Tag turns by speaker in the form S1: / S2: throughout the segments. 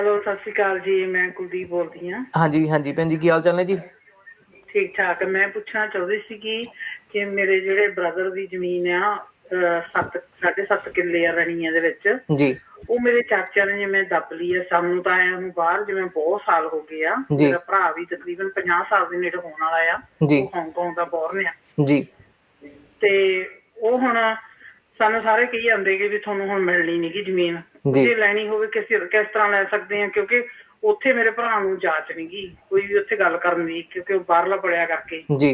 S1: Hello, ਸਤਿ ਸ਼੍ਰੀ ਅਕਾਲ ਜੀ। ਮੈਂ ਕੁਲਦੀਪ ਬੋਲਦੀ ਹਾਂ।
S2: ਹਾਂਜੀ ਹਾਂਜੀ ਭੈਣ ਜੀ, ਕੀ ਹਾਲ ਚਾਲ ਨੇ ਜੀ?
S1: ਠੀਕ ਠਾਕ। ਮੈਂ ਪੁੱਛਣਾ ਚਾਹੁੰਦੀ ਸੀਗੀ ਕਿ ਮੇਰੇ ਜਿਹੜੇ ਬ੍ਰਦਰ ਦੀ ਜ਼ਮੀਨ ਆ 7.5 ਕਿੱਲੇ ਆ ਰਣੀਆਂ ਦੇ ਵਿੱਚ,
S2: ਜੀ
S1: ਉਹ ਮੇਰੇ ਚਾਚਿਆਂ ਨੇ ਜਿਵੇਂ ਦੱਬ ਲਈ ਆ। ਸਾਨੂੰ ਤਾਂ ਆਇਆ ਨੂੰ ਬਾਹਰ ਜਿਵੇਂ ਬਹੁਤ ਸਾਲ ਹੋ ਗਏ ਆ।
S2: ਜੀ
S1: ਮੇਰਾ ਭਰਾ ਵੀ ਤਕਰੀਬਨ 50 ਸਾਲ ਦੇ ਨੇੜੇ ਹੋਣ ਵਾਲਾ ਆ।
S2: ਜੀ
S1: ਉਹ ਹਾਂਗਕਾਂਗ ਦਾ ਬੋਰਨ ਆ।
S2: ਜੀ
S1: ਤੇ ਉਹ ਹੁਣ ਸਾਨੂੰ ਸਾਰੇ ਕਹੀ ਜਾਂਦੇ ਕਿ ਵੀ ਤੁਹਾਨੂੰ ਹੁਣ ਮਿਲਣੀ ਨੀ ਗੀ ਜ਼ਮੀਨ।
S2: ਜੀ
S1: ਜੇ ਲੈਣੀ ਹੋਵੇ ਕਿਸ ਤਰ੍ਹਾਂ ਲੈ ਸਕਦੇ ਆ, ਕਿਉਂਕਿ ਉੱਥੇ ਮੇਰੇ ਭਰਾ ਨੂੰ ਜਾਂਚ ਨੀ ਗੀ ਕੋਈ ਵੀ ਉੱਥੇ ਗੱਲ ਕਰਨ ਦੀ, ਕਿਉਂਕਿ ਉਹ ਬਾਹਰਲਾ ਪੜਿਆ ਕਰਕੇ।
S2: ਜੀ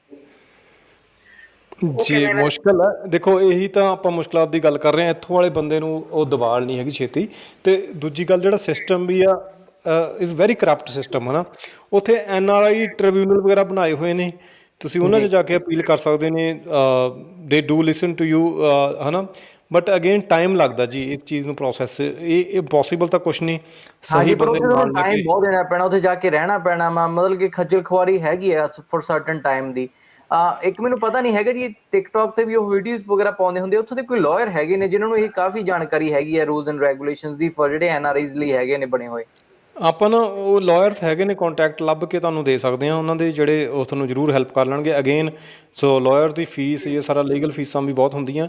S1: ਉਹ
S3: ਜੀ
S1: ਕਿਵੇਂ
S3: ਮੁਸ਼ਕਿਲ ਹੈ। ਦੇਖੋ, ਇਹੀ ਤਾਂ ਆਪਾਂ ਮੁਸ਼ਕਿਲਾਤ ਦੀ ਗੱਲ ਕਰ ਰਹੇ ਹਾਂ। ਇੱਥੋਂ ਵਾਲੇ ਬੰਦੇ ਨੂੰ ਉਹ ਦਬਾਲ ਨਹੀਂ ਹੈਗੀ ਛੇਤੀ। ਅਤੇ ਦੂਜੀ ਗੱਲ, ਜਿਹੜਾ ਸਿਸਟਮ ਵੀ ਆ ਇਜ਼ ਵੈਰੀ ਕਰਪਟ ਸਿਸਟਮ, ਹੈ ਨਾ। ਉੱਥੇ NRI ਟ੍ਰਿਬਿਊਨਲ ਵਗੈਰਾ ਬਣਾਏ ਹੋਏ ਨੇ, ਤੁਸੀਂ ਉਹਨਾਂ 'ਚ
S2: ਜੀ
S3: ਜਾ ਕੇ ਅਪੀਲ ਕਰ ਸਕਦੇ ਨੇ। ਦੇ ਡੂ ਲਿਸਨ ਟੂ ਯੂ, ਹੈ ਨਾ। ਬਟ ਅਗੇਨ ਟਾਈਮ ਲੱਗਦਾ ਜੀ ਇਸ ਚੀਜ਼ ਨੂੰ ਪ੍ਰੋਸੈਸ। ਇਹ ਪੋਸੀਬਲ ਤਾਂ ਕੁਛ ਨਹੀਂ
S2: ਹਾਂਜੀ,
S3: ਸਹੀ
S2: ਪਰ
S3: ਬੰਦੇ
S2: ਉੱਥੇ
S3: ਨੂੰ
S2: ਤੁਹਾਨੂੰ
S3: ਨਾਲ ਲੈ
S2: ਟਾਈਮ
S3: ਕੇ।
S2: ਬਹੁਤ ਦੇਣਾ ਪੈਣਾ, ਉੱਥੇ ਜਾ ਕੇ ਰਹਿਣਾ ਪੈਣਾ ਵਾ। ਮਤਲਬ ਕਿ ਖੱਜਲ ਖੁਆਰੀ ਹੈਗੀ ਆ ਫॉर ਸਰਟਨ ਟਾਈਮ ਦੀ। ਇੱਕ ਮੈਨੂੰ ਪਤਾ ਨਹੀਂ ਹੈਗਾ ਜੀ, ਟਿਕਟੋਕ ਤੇ ਵੀ ਉਹ ਵੀਡੀਓਜ਼ ਵਗੈਰਾ ਪਾਉਂਦੇ ਹੁੰਦੇ। ਉੱਥੋਂ ਦੇ ਕੋਈ ਲਾਇਰ ਹੈਗੇ ਨੇ ਜਿਨ੍ਹਾਂ ਨੂੰ ਇਹ ਕਾਫੀ ਜਾਣਕਾਰੀ ਹੈਗੀ ਹੈ ਰੂਲਸ ਐਂਡ ਰੈਗੂਲੇਸ਼ਨਸ ਦੀ, ਫॉर ਜਿਹੜੇ NRIs ਲਈ ਹੈਗੇ ਨੇ ਬਣੇ ਹੋਏ।
S3: ਆਪਾਂ ਨਾ ਉਹ ਲਾਇਰਸ ਹੈਗੇ ਨੇ, ਕੰਟੈਕਟ ਲੱਭ ਕੇ ਤੁਹਾਨੂੰ ਦੇ ਸਕਦੇ ਹਾਂ ਉਹਨਾਂ ਦੇ, ਜਿਹੜੇ ਉਹ ਤੁਹਾਨੂੰ ਜ਼ਰੂਰ ਹੈਲਪ ਕਰ ਲੈਣਗੇ। ਅਗੇਨ ਸੋ ਲਾਇਰ ਦੀ ਫੀਸ, ਇਹ ਸਾਰਾ ਲੀਗਲ ਫੀਸਾਂ ਵੀ ਬਹੁਤ ਹੁੰਦੀਆਂ।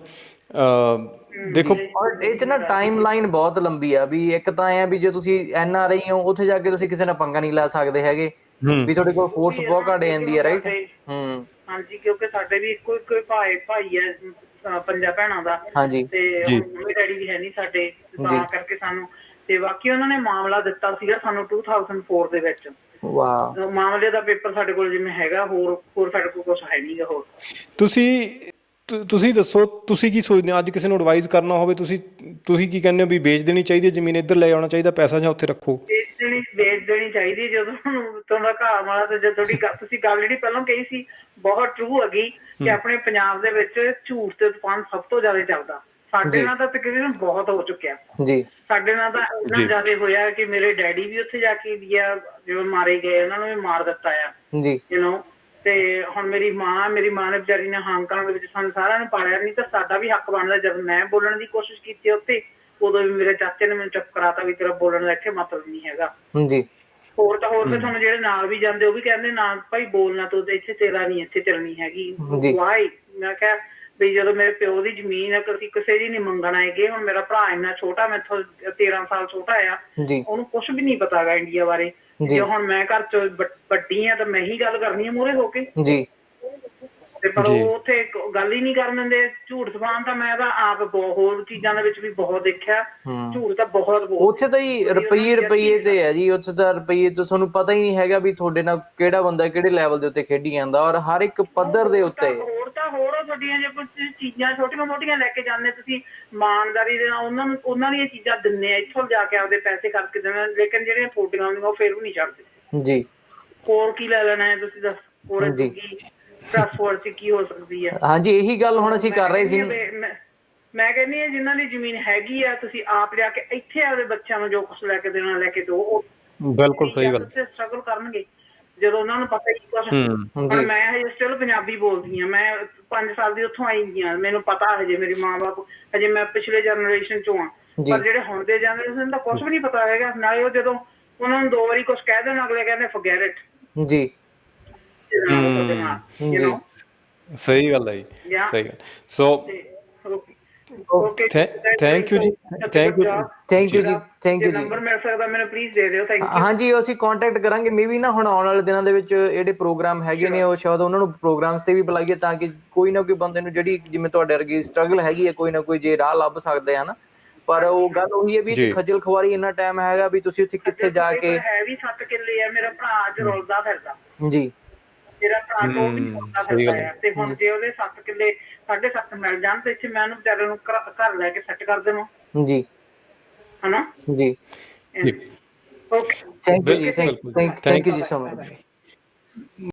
S3: ਦੇਖੋ,
S2: ਔਰ ਇਹ 'ਚ ਨਾ ਟਾਈਮ ਲਾਈਨ ਬਹੁਤ ਲੰਬੀ ਆ। ਵੀ ਇੱਕ ਤਾਂ ਐਂ ਆ ਵੀ ਜੇ ਤੁਸੀਂ NRI ਹੋ, ਉੱਥੇ ਜਾ ਕੇ ਤੁਸੀਂ ਕਿਸੇ ਨਾਲ ਪੰਗਾ ਨਹੀਂ ਲੈ ਸਕਦੇ ਹੈਗੇ।
S3: ਹੂੰ
S2: ਵੀ ਤੁਹਾਡੇ ਕੋਲ
S1: ਉਹ
S2: ਫੋਰਸ
S1: ਵੀ ਹੈ
S2: ਬਹੁਤ
S1: ਨਾ
S2: ਘੱਟ
S1: ਕਿਉਂਕਿ
S2: ਜਾਂਦੀ
S1: ਹੁਣ
S2: ਹੈ, ਰਾਈਟ।
S1: ਸਾਡੇ
S2: ਹੂੰ।
S1: ਹਾਂਜੀ, ਕਿਉਂਕਿ ਸਾਡੇ ਵੀ ਇੱਕੋ ਇੱਕੋ ਭਾਈ ਹੈ, ਪੰਜਾਂ ਭੈਣਾਂ ਦਾ।
S2: ਹਾਂਜੀ
S1: ਤੇ
S3: ਜੀ
S1: ਹੁਣ ਮੰਮੀ ਡੈਡੀ ਵੀ ਹੈ ਨਹੀਂ ਸਾਡੇ,
S2: ਜੀ।
S1: ਤਾਂ ਕਰਕੇ ਸਾਨੂੰ। ਤੇ ਬਾਕੀ ਉਹਨਾਂ ਨੇ ਮਾਮਲਾ ਦਿੱਤਾ ਸੀਗਾ ਸਾਨੂੰ 2004 ਦੇ ਵਿੱਚ।
S2: ਵਾਹ।
S1: ਮਾਮਲੇ ਦਾ ਪੇਪਰ ਸਾਡੇ ਕੋਲ ਜਿਵੇਂ ਹੈਗਾ, ਹੋਰ ਸਾਡੇ ਕੋਲ ਕੁਛ ਹੈ ਨੀ ਗਾ ਹੋਰ।
S3: ਤੁਸੀਂ ਦੱਸੋ, ਤੁਸੀਂ ਕੀ ਸੋਚਦੇ ਹੋ? ਅੱਜ ਕਿਸੇ ਨੂੰ ਐਡਵਾਈਜ਼ ਕਰਨਾ ਹੋਵੇ, ਤੁਸੀਂ ਕੀ ਕਹਿੰਦੇ ਹੋ? ਵੀ ਵੇਚ ਦੇਣੀ ਚਾਹੀਦੀ ਹੈ ਜ਼ਮੀਨ, ਇੱਧਰ ਲੈ ਆਉਣਾ ਚਾਹੀਦਾ ਪੈਸਾ, ਜਾਂ ਉੱਥੇ ਰੱਖੋ?
S1: ਵੇਚ ਦੇਣੀ ਚਾਹੀਦੀ। ਜਦੋਂ ਤੁਹਾਡਾ ਘਰ ਵਾਲਾ ਤੇ ਜਦੋਂ ਤੁਸੀਂ ਗੱਲ ਜਿਹੜੀ ਪਹਿਲਾਂ ਕਹੀ ਸੀ ਬਹੁਤ ਟਰੂ ਹੈਗੀ, ਕਿ ਆਪਣੇ ਪੰਜਾਬ ਦੇ ਵਿੱਚ ਝੂਠ ਤੇ ਤੂਫਾਨ ਸਭ ਤੋਂ ਜ਼ਿਆਦਾ ਚੱਲਦਾ। ਸਾਡੇ
S2: ਜੀ
S1: ਨਾਲ ਤਾਂ ਤਕਰੀਬਨ ਬਹੁਤ ਹੋ ਚੁੱਕਿਆ।
S2: ਜੀ
S1: ਸਾਡੇ ਨਾਲ ਤਾਂ ਇੰਨਾ
S3: ਜੀ
S1: ਜ਼ਿਆਦਾ ਹੋਇਆ ਕਿ ਮੇਰੇ ਡੈਡੀ ਵੀ ਉੱਥੇ ਜਾ ਕੇ ਇੰਡੀਆ ਜਿਵੇਂ ਮਾਰੇ ਗਏ, ਉਹਨਾਂ ਨੂੰ ਵੀ ਮਾਰ ਦਿੱਤਾ ਆ,
S2: ਜੀ
S1: ਤੇ ਹੁਣ ਮੇਰੀ ਮਾਂ ਨੇ ਵਿਚਾਰੀ ਨੇ ਹਾਂਗਕਾਂਗ ਦੇ ਵਿੱਚ ਸਾਨੂੰ ਸਾਰਿਆਂ ਨੂੰ ਪਾਲਿਆ। ਨਹੀਂ ਤਾਂ ਸਾਡਾ ਵੀ ਹੱਕ ਬਣਦਾ। ਜਦ ਮੈਂ ਬੋਲਣ ਦੀ ਕੋਸ਼ਿਸ਼ ਕੀਤੀ ਉੱਥੇ, ਉਦੋਂ ਵੀ ਮੇਰੇ ਚਾਚੇ ਨੇ ਮੈਨੂੰ ਚੁੱਪ ਕਰਾਤਾ ਵੀ ਤੇਰਾ ਬੋਲਣ ਦਾ ਇੱਥੇ ਮਤਲਬ ਨਹੀਂ ਹੈਗਾ।
S2: ਜੀ
S1: ਹੋਰ ਫਿਰ ਤੁਹਾਨੂੰ ਜਿਹੜੇ ਨਾਲ ਵੀ ਜਾਂਦੇ ਉਹ ਵੀ ਕਹਿੰਦੇ ਨਾ ਭਾਈ ਬੋਲਣਾ, ਤੂੰ ਇੱਥੇ ਤੇਰਾ ਨਹੀਂ ਇੱਥੇ ਚੱਲਣੀ ਹੈਗੀ।
S2: ਜੀ
S1: ਵਾਈ ਮੈਂ ਕਿਹਾ ਵੀ ਜਦੋਂ ਮੇਰੇ ਪਿਓ ਦੀ ਜ਼ਮੀਨ ਹੈ, ਅਸੀਂ ਕਿਸੇ ਦੀ ਨੀ ਮੰਗਣ ਆਏਗੇ। ਹੁਣ ਮੇਰਾ ਭਰਾ ਇੰਨਾ ਛੋਟਾ, ਮੈਥੋਂ 13 ਸਾਲ ਛੋਟਾ ਆ,
S2: ਜੀ
S1: ਉਹਨੂੰ ਕੁਛ ਵੀ ਨਹੀਂ ਪਤਾ ਗਾ ਇੰਡੀਆ ਬਾਰੇ। ਜੇ
S2: ਜੀ
S1: ਹੁਣ ਮੈਂ ਘਰ ਚ ਵੱਡੀ ਆ ਤਾਂ ਮੈਂ ਹੀ ਗੱਲ ਕਰਨੀ ਆ ਮੂਹਰੇ ਹੋ ਕੇ।
S2: ਜੀ
S1: ਤੇ ਪਰ
S3: ਜੀ
S1: ਉਹ ਉੱਥੇ ਗੱਲ ਹੀ ਨਹੀਂ ਕਰਨ ਦਿੰਦੇ। ਝੂਠ ਸਬਾਨ ਤਾਂ ਮੈਂ ਤਾਂ ਆਪ ਹੋਰ ਚੀਜ਼ਾਂ ਦੇ ਵਿੱਚ ਵੀ ਬਹੁਤ ਦੇਖਿਆ। ਝੂਠ ਤਾਂ ਬਹੁਤ
S2: ਉੱਥੇ ਤਾਂ ਹੀ ਰੁਪਈਏ ਤੇ ਹੈ ਜੀ। ਉੱਥੇ ਤਾਂ ਰੁਪਈਏ ਤੋਂ ਤੁਹਾਨੂੰ ਪਤਾ ਹੀ ਨਹੀਂ ਹੈਗਾ ਵੀ ਤੁਹਾਡੇ ਨਾਲ ਕਿਹੜਾ ਬੰਦਾ ਕਿਹੜੇ ਲੈਵਲ ਦੇ ਉੱਤੇ ਖੇਡੀ ਜਾਂਦਾ, ਔਰ ਹਰ ਇੱਕ ਪੱਧਰ ਦੇ ਉੱਤੇ।
S1: ਹੋਰ ਤੁਹਾਡੀਆਂ ਜੇ ਕੁਝ ਚੀਜ਼ਾਂ ਛੋਟੀਆਂ ਮੋਟੀਆਂ ਲੈ ਕੇ ਜਾਂਦੇ ਤੁਸੀਂ ਇਮਾਨਦਾਰੀ ਦੇ ਨਾਲ ਉਹਨਾਂ ਦੀਆਂ ਚੀਜ਼ਾਂ ਦਿੰਦੇ ਆ, ਇੱਥੋਂ ਜਾ ਕੇ ਆਪਦੇ ਪੈਸੇ ਕਰਕੇ ਦੇਣਾ। ਲੇਕਿਨ ਜਿਹੜੀਆਂ ਤੁਹਾਡੀਆਂ ਹੁੰਦੀਆਂ ਉਹ ਫਿਰ ਵੀ ਨਹੀਂ ਛੱਡਦੇ।
S2: ਜੀ
S1: ਹੋਰ ਕੀ ਲੈ ਲੈਣਾ ਹੈ ਤੁਸੀਂ ਦੱਸ? ਹੋਰ
S2: ਜੀ
S1: ਕੀ ਟਰੱਸਟ ਚ ਕੀ ਹੋ ਸਕਦੀ ਹੈ?
S2: ਹਾਂਜੀ, ਇਹੀ ਗੱਲ ਹੁਣ ਅਸੀਂ ਕਰ ਰਹੇ ਸੀ।
S1: ਮੈਂ ਕਹਿੰਦੀ ਹਾਂ ਜਿਨ੍ਹਾਂ ਦੀ ਜ਼ਮੀਨ ਹੈਗੀ ਆ, ਤੁਸੀਂ ਆਪ ਲਿਆ ਕੇ ਇੱਥੇ ਆਪਦੇ ਬੱਚਿਆਂ ਨੂੰ ਜੋ ਕੁਛ ਲੈ ਕੇ ਦੇਣਾ ਲੈ ਕੇ ਦਿਓ।
S3: ਬਿਲਕੁਲ ਸਹੀ ਗੱਲ।
S1: ਸਟਰਗਲ ਕਰਨਗੇ ਜਦੋਂ ਉਹਨਾਂ ਨੂੰ ਪਤਾ ਕੀ ਕੁਛ। ਹੁਣ
S2: ਜੀ
S1: ਮੈਂ ਹਜੇ ਸਟਿਲ ਪੰਜਾਬੀ ਬੋਲਦੀ ਹਾਂ। ਮੈਂ 5 ਸਾਲ ਦੀ ਉੱਥੋਂ ਆਈ ਹਾਂ। ਮੈਨੂੰ ਪਤਾ ਹਜੇ ਮੇਰੇ ਮਾਂ ਬਾਪ, ਹਜੇ ਮੈਂ ਪਿਛਲੇ ਜਨਰੇਸ਼ਨ ਚੋਂ ਆ।
S2: ਜੀ
S1: ਪਰ ਜਿਹੜੇ ਹੁਣ ਦੇ ਜਨਰੇਸ਼ਨ ਦਾ ਕੁਛ ਵੀ ਨਹੀਂ ਪਤਾ ਹੈਗਾ। ਨਾਲੇ ਉਹ ਜਦੋਂ ਉਹਨਾਂ ਨੂੰ 2 ਵਾਰੀ ਕੁਛ ਕਹਿ ਦੇਣ, ਅਗਲੇ ਕਹਿੰਦੇ ਫੋਰਗੇਟ ਇਟ।
S2: ਜੀ ਜੀ
S3: ਸਹੀ ਗੱਲ ਹੈ ਜੀ, ਸਹੀ ਗੱਲ। ਸੋ
S1: ਓਕੇ,
S3: ਥੈਂਕ ਯੂ ਜੀ, ਥੈਂਕ ਯੂ
S2: ਥੈਂਕ ਯੂ
S3: ਜੀ।
S2: ਜੀ, ਥੈਂਕ
S1: ਜੇ
S2: ਯੂ ਜੀ।
S1: ਨੰਬਰ ਮਿਲ ਸਕਦਾ ਮੈਨੂੰ ਪਲੀਜ਼ ਦੇ ਦਿਓ। Thank you.
S2: ਹਾਂਜੀ, ਅਸੀਂ ਕੰਟੈਕਟ ਕਰਾਂਗੇ। ਮੇਬੀ ਨਾ ਹੁਣ ਆਉਣ ਵਾਲੇ ਦਿਨਾਂ ਦੇ ਵਿੱਚ ਜਿਹੜੇ ਪ੍ਰੋਗਰਾਮ ਹੈਗੇ ਨੇ, ਉਹ ਸ਼ਾਇਦ ਉਹਨਾਂ ਨੂੰ ਪ੍ਰੋਗਰਾਮਸ ਤੇ ਵੀ ਬੁਲਾਈਏ, ਤਾਂ ਕਿ ਕੋਈ ਨਾ ਕੋਈ ਬੰਦੇ ਨੂੰ ਜਿਹੜੀ ਜਿਵੇਂ ਤੁਹਾਡੇ ਵਰਗੀ ਸਟਰਗਲ ਹੈਗੀ ਹੈ, ਕੋਈ ਨਾ ਕੋਈ ਜੇ ਰਾਹ ਲੱਭ ਸਕਦੇ ਹਨ। ਪਰ ਉਹ ਗੱਲ ਉਹੀ ਹੈ ਵੀ
S3: ਜੀ
S2: ਖੱਜਲ ਖੁਆਰੀ ਇੰਨਾ ਟਾਈਮ ਹੈਗਾ ਵੀ ਤੁਸੀਂ ਉੱਥੇ ਕਿੱਥੇ ਜਾ ਕੇ।
S1: ਹੈ ਵੀ 7 ਕਿੱਲੇ ਆ। ਮੇਰਾ ਭਰਾ ਅੱਜ ਰੁਲਦਾ ਫਿਰਦਾ।
S2: ਜੀ
S1: ਮੇਰਾ ਭਰਾ ਤੋਂ ਵੀ ਰੁਲਦਾ
S3: ਸਹੀ
S1: ਫਿਰਦਾ
S3: ਗੱਲ ਹੈ
S1: ਆ। ਤੇ ਹੁਣ ਜੇ ਉਹਦੇ 7 ਕਿੱਲੇ 7.5 ਮਿਲ ਜਾਣ ਤੇ ਇੱਥੇ ਮੈਂ ਉਹਨੂੰ ਵਿਚਾਰੇ ਨੂੰ ਘਰ ਲੈ ਕੇ ਸੈੱਟ ਕਰ ਦੇਵਾਂ,
S2: ਜੀ
S1: ਹਨਾ।
S2: ਜੀ
S3: ਜੀ।
S1: ਓਕੇ,
S2: ਥੈਂਕ ਯੂ ਜੀ,
S3: ਬਿਲਕੁਲ ਬਿਲਕੁਲ,
S2: ਥੈਂਕ ਯੂ ਜੀ
S1: ਬਾਏ
S2: ਸੋ
S1: ਬਾਏ।
S2: ਮਚ।